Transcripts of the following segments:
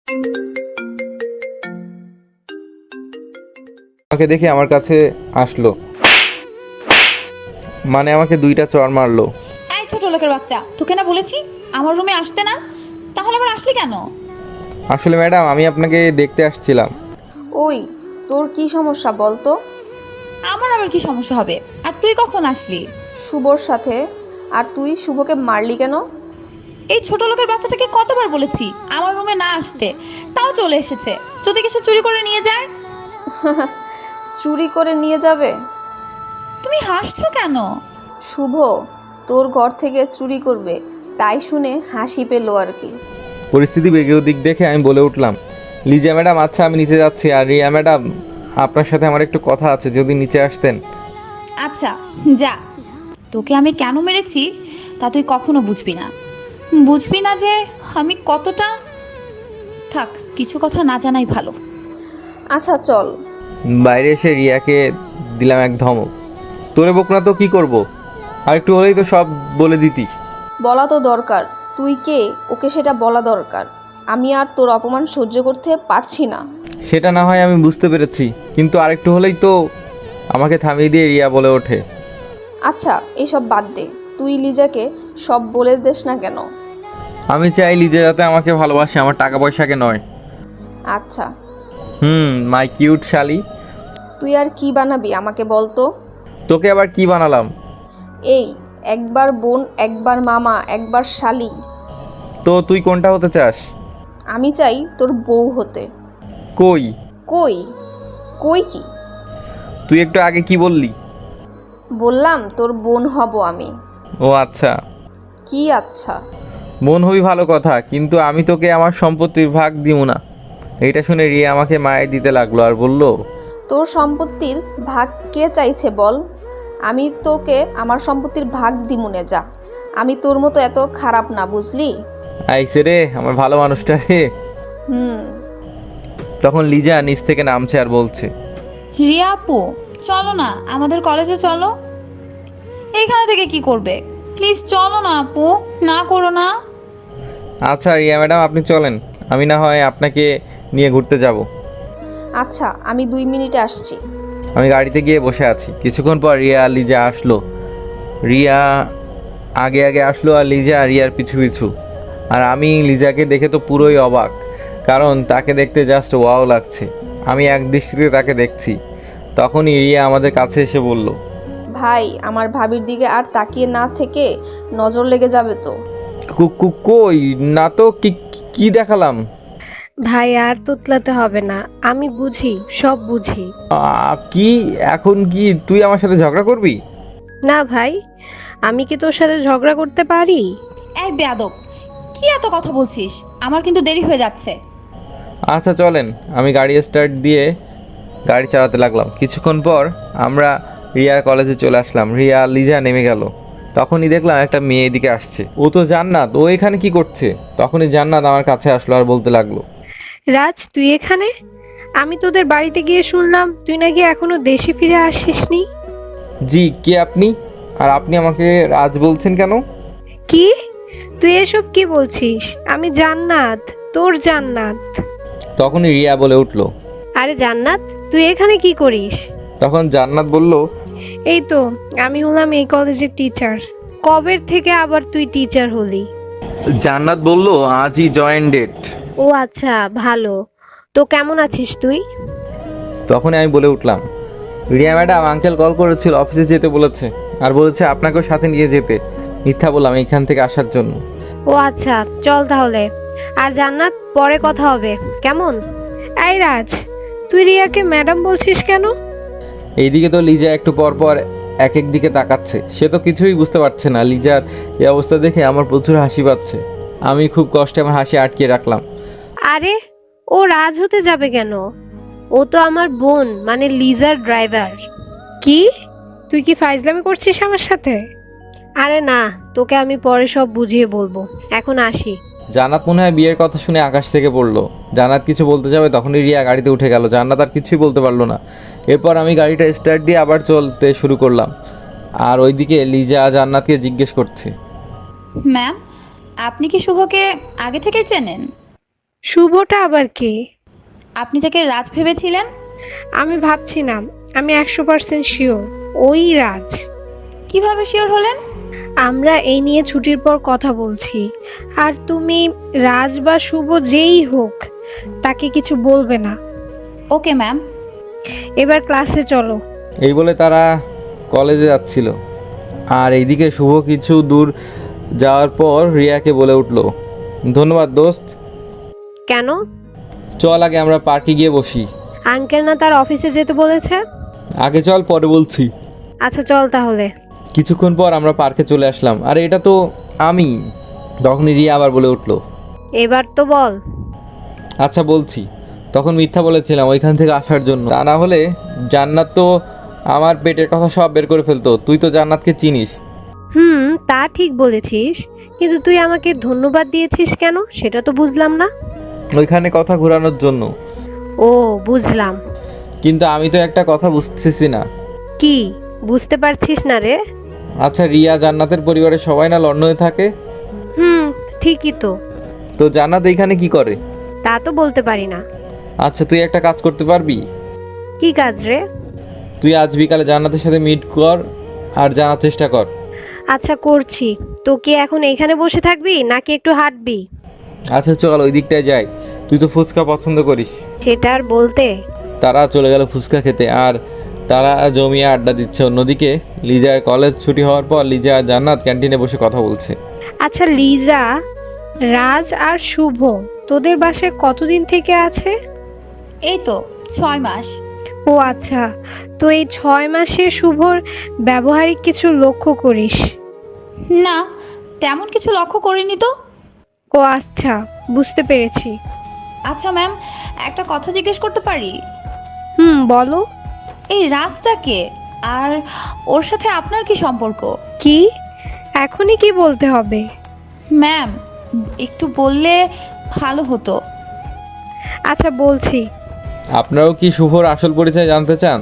আমাকে দেখে আমার কাছে আসলো, মানে আমাকে দুইটা চড় মারলো। এই ছোট লোকের বাচ্চা, তোকে না বলেছি আমার রুমে আসতে না, তাহলে আবার আসলি কেন? আসলে ম্যাডাম, আমি আপনাকে দেখতে আসছিলাম। ওই, তোর কি সমস্যা বল তো? আমার আবার কি সমস্যা হবে? আর তুই কখন আসলি? শুভর সাথে। আর তুই শুভকে মারলি কেন? এই ছোট লোকের বাচ্চাটাকে কতবার বলেছি আমার রুমে না আসতে, তাও চলে এসেছে। যদি কিছু চুরি করে নিয়ে যায়? চুরি করে নিয়ে যাবে? তুমি হাসছো কেন? শুভ তোর ঘর থেকে চুরি করবে, তাই শুনে হাসি পেলো আর কি। পরিস্থিতি বেগে ওদিক দেখে আমি বলে উঠলাম, লিজা ম্যাডাম, আচ্ছা আমি নিচে যাচ্ছি। আর রিয়া ম্যাডাম, আপনার সাথে আমার একটু কথা আছে, যদি নিচে আসতেন। আচ্ছা যা, তোকে আমি কেন মেরেছি তা তুই কখনো বুঝবি না। বুঝবি না যে আমি কতটা। থাক, কিছু কথা না জানাই ভালো। আচ্ছা চল। বাইরে এসে রিয়াকে দিলাম এক ধমক। তোরে বক না তো কি করব, আর একটু হলেই তো সব বলে দিতি। বলা তো দরকার, তুই কে ওকে সেটা বলা দরকার। আমি আর তোর অপমান সহ্য করতে পারছি না। সেটা না হয় আমি বুঝতে পেরেছি, কিন্তু আরেকটু হলেই তো। আমাকে থামিয়ে দিয়ে রিয়া বলে ওঠে, আচ্ছা এসব বাদ দে, তুই লিজাকে সব বলে দিস না কেন? আমি চাই লিজা যাতে আমাকে ভালোবাসে, আমার টাকা পয়সাকে নয়। আচ্ছা, মাই কিউট শালি। তুই আর কি বানাবি আমাকে বল তো? তোকে আবার কি বানালাম? এই, একবার বোন, একবার মামা, একবার শালি। তো তুই কোনটা হতে চাস? আমি চাই তোর বউ হতে। কই? কই? কই কি? তুই একটু আগে কি বললি? বললাম তোর বোন হব আমি। ও আচ্ছা, কি আচ্ছা? মন হবি ভালো কথা, কিন্তু আমি তোকে আমার সম্পত্তির ভাগ দিব না। এইটা শুনে রিয়া আমাকে মায়ের দিতে লাগলো আর বলল, তোর সম্পত্তির ভাগ কে চাইছে বল? আমি তোকে আমার সম্পত্তির ভাগ দিমুনে, যা। আমি তোর মতো এত খারাপ না, বুঝলি? আইসে রে আমার ভালো মানুষটা রে। হুম। তখন লিজা নিচ থেকে নামছে আর বলছে, রিয়া আপু, চলো না আমাদের কলেজে চলো। এইখানে থেকে কি করবে? প্লিজ চলো না আপু, না করো না। আচ্ছা রিয়া ম্যাডাম, আপনি চলেন, আমি না হয় আপনাকে নিয়ে ঘুরতে যাব। আচ্ছা, আমি 2 মিনিটে আসছি। আমি গাড়িতে গিয়ে বসে আছি। কিছুক্ষণ পর রিয়া আর লিজা আসলো। রিয়া আগে আগে আসলো আর লিজা রিয়ার পিছু পিছু। আর আমি লিজাকে দেখে তো পুরোই অবাক, কারণ তাকে দেখতে জাস্ট ওয়াও লাগছে। আমি এক দৃষ্টিতে তাকে দেখছি। তখনই রিয়া আমাদের কাছে এসে বলল, ভাই, আমার ভাবির দিকে আর তাকিয়ে না থেকে নজর লেগে যাবে তো। কই না তো, কি কি দেখালাম? ভাই আর তোতলাতে হবে না, আমি বুঝি, সব বুঝি। কি এখন কি তুই আমার সাথে ঝগড়া করবি? না ভাই, আমি কি তোর সাথে ঝগড়া করতে পারি? এই বেয়াদব, কি এত কথা বলছিস? আমার কিন্তু দেরি হয়ে যাচ্ছে। আচ্ছা চলেন। আমি গাড়ি স্টার্ট দিয়ে গাড়ি চালাতে লাগলাম। কিছুক্ষণ পর আমরা রিয়ার কলেজে চলে আসলাম। রিয়া আর লিজা নেমে গেল। তখনই দেখলাম একটা মেয়ে এদিকে আসছে। ও তো জান্নাত, ও এখানে কি করছে? তখনই জান্নাত আমার কাছে আসলো আর বলতে লাগলো, রাজ, তুই এখানে? আমি তোদের বাড়িতে গিয়ে শুনলাম তুই নাকি এখনো দেশে ফিরে আসিসনি। জি, কে আপনি? আর আপনি আমাকে রাজ বলছেন কেন? কি? তুই এসব কি বলছিস? আমি জান্নাত, তোর জান্নাত। তখনই রিয়া বলে উঠলো। আরে জান্নাত, তুই এখানে কি করিস? তখন জান্নাত বলল, এই তো, আমি হলাম এই কলেজের টিচার। কবের থেকে আবার তুই টিচার হলি? জান্নাত বলল, আজই জয়েন ডেট। ও আচ্ছা, ভালো। তো কেমন আছিস তুই? তখনই আমি বলে উঠলাম, রিয়া ম্যাডাম, আঙ্কেল কল করেছিল, অফিসে যেতে বলেছে, আর বলেছে আপনাকেও সাথে নিয়ে যেতে। মিথ্যা বললাম এখান থেকে আসার জন্য। ও আচ্ছা, চল তাহলে। আর জান্নাত, পরে কথা হবে, কেমন? এই রাজ, তুই রিয়াকে ম্যাডাম বলছিস কেন? এইদিকে তো লিজা একটু পর পর এক এক দিকে তাকাচ্ছে। সে তো কিছুই বুঝতে পারছে না। লিজার এই অবস্থা দেখে আমার প্রচুর হাসি পাচ্ছে। আমি খুব কষ্টে আমার হাসি আটকে রাখলাম। আরে, ও রাজ হতে যাবে কেন? ও তো আমার বোন, মানে লিজার ড্রাইভার। কি? তুই কি ফাইজলামি করছিস আমার সাথে? আরে না, তোকে আমি পরে সব বুঝিয়ে বলবো, এখন আসি। জান্নাত মনে হয় বিয়ের কথা শুনে আকাশ থেকে পড়লো। জান্নাত কিছু বলতে যাবে, তখনই রিয়া গাড়িতে উঠে গেল। জান্নাত আর কিছুই বলতে পারলো না। এরপর আমি গাড়িটা স্টার্ট দিয়ে আবার চলতে শুরু করলাম। আর ওইদিকে লিজা জান্নাতকে জিজ্ঞেস করছে, ম্যাম, আপনি কি শুভকে আগে থেকেই চেনেন? শুভটা আবার কে? আপনি যাকে রাজ ভেবেছিলেন। আমি ভাবছি না, আমি 100% শিওর ওই রাজ। কিভাবে শিওর হলেন? আমরা এই নিয়ে ছুটির পর কথা বলছি, আর তুমি রাজ বা শুভ যেই হোক তাকে কিছু বলবে না। Okay ma'am. এবার ক্লাসে চলো। এই বলে তারা কলেজে যাচ্ছিল। আর এইদিকে শুভ কিছু দূর যাওয়ার পর রিয়াকে বলে উঠলো, ধন্যবাদ দোস্ত। কেন? চল আগে আমরা পার্কে গিয়ে বসি। আঙ্কেল না তার অফিসে যেতে বলেছে? আগে চল, পরে বলছি। আচ্ছা চল তাহলে। কিছুক্ষণ পর আমরা পার্কে চলে আসলাম। আরে এটা তো আমি। তখনই রিয়া আবার বলে উঠলো, এবার তো বল। আচ্ছা বলছি। তখন মিথ্যা বলেছিলাম ওইখান থেকে আসার জন্য, তা না হলে জান্নাত তো আমার পেটের কথা সব বের করে ফেলতো। তুই তো জান্নাতকে চিনিস। তা ঠিক বলেছিস, কিন্তু তুই আমাকে ধন্যবাদ দিয়েছিস কেন সেটা তো বুঝলাম না। ওইখানে কথা ঘোরানোর জন্য। ও বুঝলাম। কিন্তু আমি তো একটা কথা বুঝতেছি না। কি বুঝতে পারছিস না রে? আচ্ছা রিয়া জান্নাতের পরিবারের সবাই না লন্ডনে থাকে? ঠিকই তো। তো জান্নাত এইখানে কি করে? তা তো বলতে পারি না। আচ্ছা তুই একটা কাজ করতে পারবি? কি কাজ রে? তুই আজ বিকালে জান্নাতের সাথে মিট কর আর জানার চেষ্টা কর। আচ্ছা করছি। তো কি এখন এখানে বসে থাকবি নাকি একটু হাঁটবি? আচ্ছা চল ওই দিকটায় যাই। তুই তো ফুচকা পছন্দ করিস। সেটা আর বলতে। তারা চলে গেল ফুচকা খেতে, আর তারা জমিয়ে আড্ডা দিচ্ছে। অন্যদিকে লিজার কলেজ ছুটি হওয়ার পর লিজা আর জান্নাত ক্যান্টিনে বসে কথা বলছে। আচ্ছা লিজা, রাজ আর শুভ তোদের বাসায় কতদিন থেকে আছে? এই তো 6 মাস। ও আচ্ছা, তো এই 6 মাসে শুভর ব্যবহারিক কিছু লক্ষ্য করিস? না, তেমন কিছু লক্ষ্য করিনি তো। ও আচ্ছা, বুঝতে পেরেছি। আচ্ছা ম্যাম, একটা কথা জিজ্ঞেস করতে পারি? বলো। এই রাজটাকে আর ওর সাথে আপনার কি সম্পর্ক? কি এখনই কি বলতে হবে? ম্যাম, একটু বললে ভালো হতো। আচ্ছা বলছি। আপনারাও কি শুভর আসল পরিচয় জানতে চান?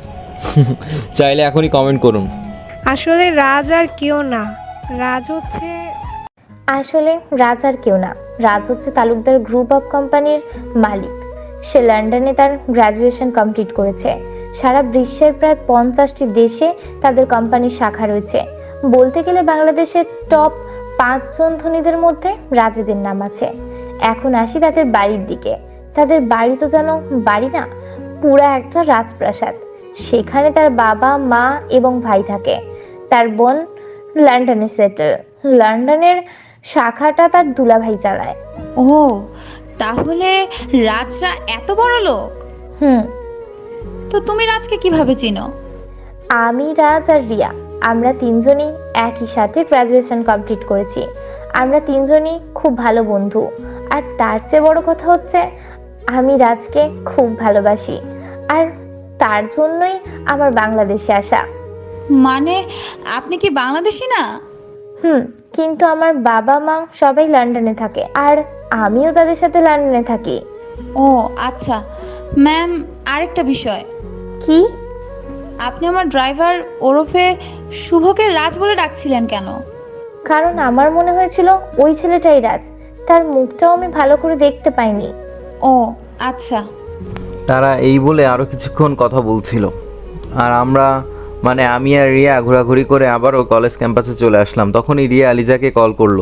চাইলে এখনই কমেন্ট করুন। আসলে রাজ আর কেউ না, রাজ হচ্ছে আসলে রাজ আর কেউ না, রাজ হচ্ছে তালুকদার গ্রুপ অফ কোম্পানির মালিক। সে লন্ডনে তার গ্র্যাজুয়েশন কমপ্লিট করেছে। সারা বিশ্বের প্রায় 50টি দেশে তাদের কোম্পানির শাখা রয়েছে। বলতে গেলে বাংলাদেশের টপ 5 জন ধনীদের মধ্যে রাজেদের নাম আছে। এখন আসি তাদের বাড়ির দিকে। তাদের বাড়ি তো যেন বাড়ি না, পুরা একটা রাজপ্রাসাদ। সেখানে তার বাবা, মা এবং ভাই থাকে। তার বোন লন্ডনে সেটেল। লন্ডনের শাখাটা তার দুলাভাই চালায়। ও, তাহলে রাজরা এত বড় লোক? হুম। তো তুমি রাজকে কিভাবে চিনো? আমি, রাজ আর রিয়া, আমরা তিনজনই একই সাথে গ্র্যাজুয়েশন কমপ্লিট করেছি। আমরা তিনজনই খুব ভালো বন্ধু। আর তার চেয়ে বড় কথা হচ্ছে আমি রাজকে খুব ভালোবাসি, আর তার জন্যই আমার বাংলাদেশে আসা। মানে আপনি কি বাংলাদেশি না? কিন্তু আমার বাবা মা সবাই লন্ডনে থাকে, আর আমিও তাদের সাথে লন্ডনে থাকি। ও আচ্ছা ম্যাম, আরেকটা বিষয়। কি? আপনি আমার ড্রাইভার ওরফে শুভকে রাজ বলে ডাকছিলেন কেন? কারণ আমার মনে হয়েছিল ওই ছেলেটাই রাজ। তার মুখটাও আমি ভালো করে দেখতে পাইনি। ও আচ্ছা। তারা এই বলে আরো কিছুক্ষণ কথা বলছিল, আর আমরা মানে আমি আর রিয়া ঘোরাঘুরি করে আবারও কলেজ ক্যাম্পাসে চলে আসলাম। তখনই রিয়া লিজাকে কল করলো।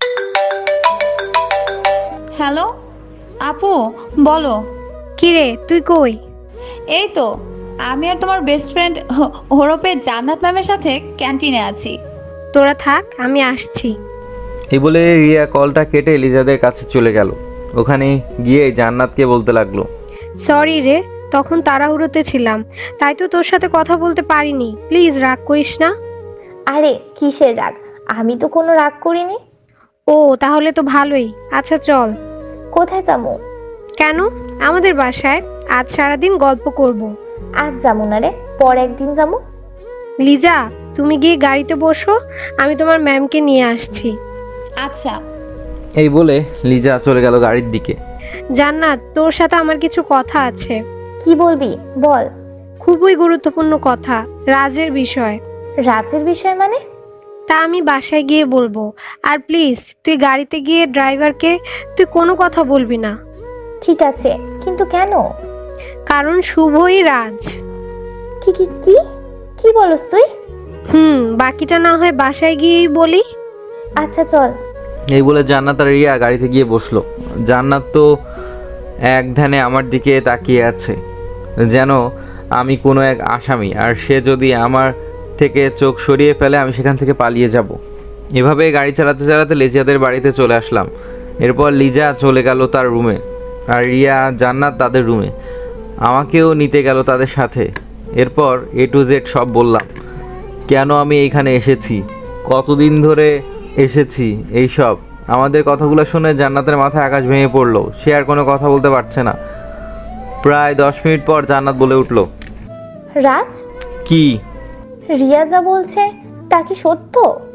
হ্যালো আপু, বলো। কিরে তুই কই? এই তো আমি আর তোমার বেস্ট ফ্রেন্ড ওরফে জান্নাত ম্যামের সাথে ক্যান্টিনে আছি। তোরা থাক, আমি আসছি। এই বলে রিয়া কলটা কেটে লিজাদের কাছে চলে গেল। ওখানে গিয়ে জান্নাতকে বলতে লাগলো, সরি রে, তখন তাড়াহুড়োতে ছিলাম, তাই তো তোর সাথে কথা বলতে পারিনি। প্লিজ রাগ করিস না। আরে কিসের রাগ? আমি তো কোনো রাগ করিনি। ও তাহলে তো ভালোই। আচ্ছা চল। কোথায় যাবো? কেন? আমাদের বাসায়। আজ সারাদিন গল্প করব। আজ যাবো না রে, পর একদিন যাবো। লিজা, তুমি গিয়ে গাড়িতে বসো, আমি তোমার ম্যামকে নিয়ে আসছি। আচ্ছা। এই বলে লিজা চলে গেল গাড়ির দিকে। জান্নাত, তোর সাথে আমার কিছু কথা আছে। কি বলবি বল। খুবই গুরুত্বপূর্ণ কথা, রাজের বিষয়। রাজের বিষয় মানে? তা আমি বাসায় গিয়ে বলবো। আর প্লিজ তুই গাড়িতে গিয়ে ড্রাইভারকে তুই কোনো কথা বলবি না। ঠিক আছে, কিন্তু কেন? কারণ শুভই রাজ। কি কি কি কি বলস তুই? বাকিটা না হয় বাসায় গিয়েই বলি। আচ্ছা চল। এই বলে জান্নাত আর রিয়া গাড়িতে গিয়ে বসলো। জান্নাত তো এক ধ্যানে আমার দিকে তাকিয়ে আছে, যেন আমি কোনো এক আসামি, আর সে যদি আমার থেকে চোখ সরিয়ে ফেলে আমি সেখান থেকে পালিয়ে যাব। এভাবে গাড়ি চালাতে চালাতে লিজাদের বাড়িতে চলে আসলাম। এরপর লিজা চলে গেল তার রুমে, আর রিয়া জান্নাত তাদের রুমে। আমাকেও নিতে গেল তাদের সাথে। এরপর A to Z সব বললাম, কেন আমি এইখানে এসেছি, কতদিন ধরে এসেছি, এই সব। আমাদের কথাগুলো শুনে জান্নাতের মাথায় আকাশ ভেঙে পড়লো। সে আর কোনো কথা বলতে পারছে না। প্রায় 10 মিনিট পর জান্নাত বলে উঠলো, রাজ, কি? রিয়া যা বলছে তা কি সত্য?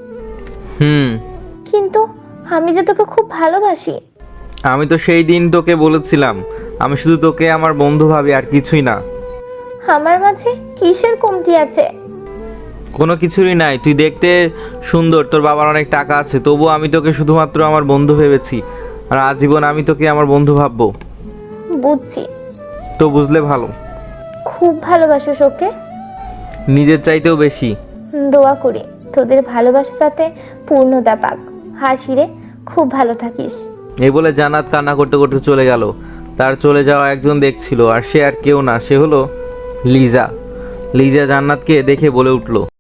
কিন্তু আমি যে তোকে খুব ভালোবাসি। আমি তো সেই দিন তোকে বলেছিলাম আমি শুধু তোকে আমার বন্ধু ভাবি, আর কিছুই না। আমার মাঝে কিসের কমতি আছে? কোনো কিছুরই নাই। তুই দেখতে সুন্দর, তোর বাবার অনেক টাকা আছে, তবুও আমি তোকে শুধুমাত্র আমার বন্ধু ভেবেছি, আর আজীবন আমি তোকে আমার বন্ধু ভাববো। বুঝছি। তো বুঝলে ভালো। খুব ভালোবাসিস ওকে? নিজের চাইতেও বেশি। দোয়া করি তোদের ভালোবাসা যাতে পূর্ণতা পাক। হাসি রে, খুব ভালো থাকিস। এই বলে জান্নাত কান্না করতে করতে চলে গেল। তার চলে যাওয়া একজন দেখছিল, আর সে আর কেউ না, সে হলো লিজা। লিজা জান্নাতকে দেখে বলে উঠলো,